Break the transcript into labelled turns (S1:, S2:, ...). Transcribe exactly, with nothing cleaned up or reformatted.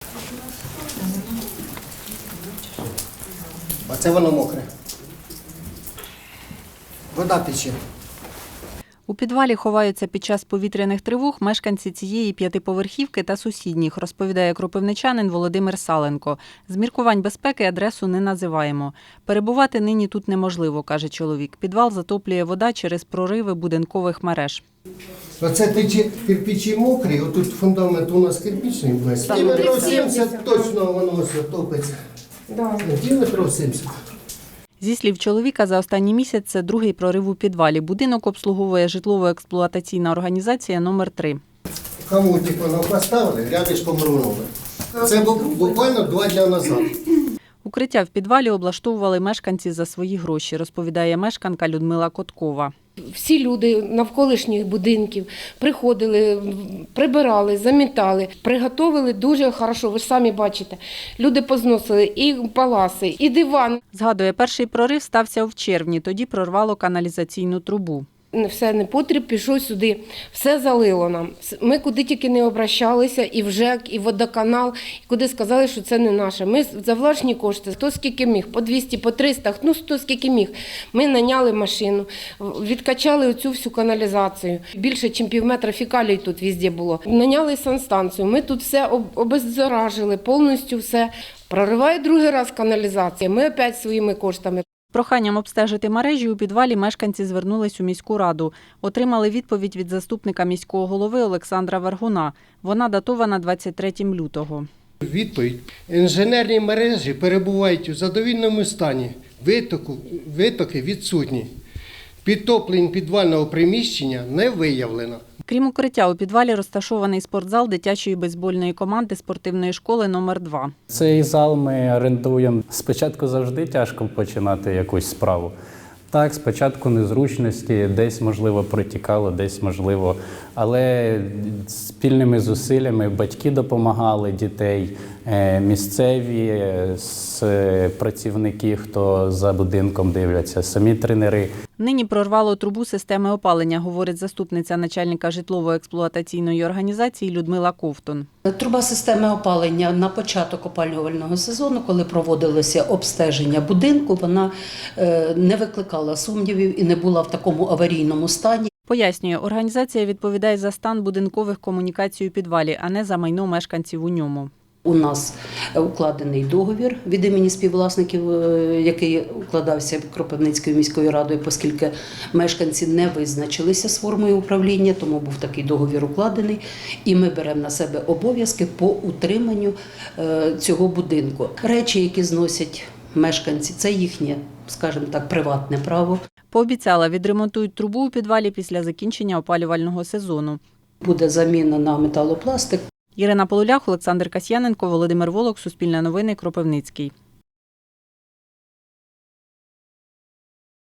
S1: Оце воно мокре. Вода тече.
S2: У підвалі ховаються під час повітряних тривог мешканці цієї п'ятиповерхівки та сусідніх, розповідає кропивничанин Володимир Саленко. З міркувань безпеки адресу не називаємо. Перебувати нині тут неможливо, каже чоловік. Підвал затоплює вода через прориви будинкових мереж.
S1: Оце тече кирпичі мокрі, отут фундамент у нас кирпичний весь. Кілометрів сімдесят точно воно все топиться. Кілометрів сімдесят.
S2: Зі слів чоловіка, за останній місяць це другий прорив у підвалі. Будинок обслуговує житлово-експлуатаційна організація номер три.
S1: Комодик воно поставили, рядишком рвонули. Це буквально два дні назад.
S2: Укриття в підвалі облаштовували мешканці за свої гроші, розповідає мешканка Людмила Коткова.
S3: Всі люди навколишніх будинків приходили, прибирали, замітали, приготовили дуже хорошо, ви ж самі бачите. Люди позносили і паласи, і диван.
S2: Згадує, перший прорив стався в червні, тоді прорвало каналізаційну трубу.
S3: Все непотріб пішов сюди, все залило нам. Ми куди тільки не обращалися, і в ЖЕК, і в водоканал, і куди сказали, що це не наше. Ми за власні кошти, хто скільки міг, по двісті, по триста, ну хто скільки міг. Ми наняли машину, відкачали оцю всю каналізацію. Більше, ніж пів метра фекалій тут везде було. Наняли санстанцію, ми тут все обеззаражили, повністю все. Прориває другий раз каналізація, ми опять своїми коштами.
S2: Проханням обстежити мережі у підвалі мешканці звернулись у міську раду. Отримали відповідь від заступника міського голови Олександра Вергуна. Вона датована двадцять третього лютого.
S1: Відповідь. Інженерні мережі перебувають у задовільному стані. Витоку, витоки відсутні. Підтоплень підвального приміщення не виявлено.
S2: Крім укриття, у підвалі розташований спортзал дитячої бейсбольної команди спортивної школи номер два.
S4: Цей зал ми орендуємо. Спочатку завжди тяжко починати якусь справу. Так, спочатку незручності, десь, можливо, протікало, десь, можливо. Але спільними зусиллями батьки допомагали, дітей, місцеві, працівники, хто за будинком дивляться, самі тренери.
S2: Нині прорвало трубу системи опалення, говорить заступниця начальника житлово-експлуатаційної організації Людмила Ковтун.
S5: Труба системи опалення на початок опалювального сезону, коли проводилося обстеження будинку, вона не викликала сумнівів і не була в такому аварійному стані.
S2: Пояснює, організація відповідає за стан будинкових комунікацій у підвалі, а не за майно мешканців у ньому.
S5: У нас укладений договір від імені співвласників, який укладався Кропивницькою міською радою, оскільки мешканці не визначилися з формою управління, тому був такий договір укладений. І ми беремо на себе обов'язки по утриманню цього будинку. Речі, які зносять мешканці, це їхнє, скажімо так, приватне право.
S2: Пообіцяла, відремонтують трубу у підвалі після закінчення опалювального сезону.
S5: Буде заміна на металопластик.
S2: Ірина Полулях, Олександр Касьяненко, Володимир Волок, Суспільне новини, Кропивницький.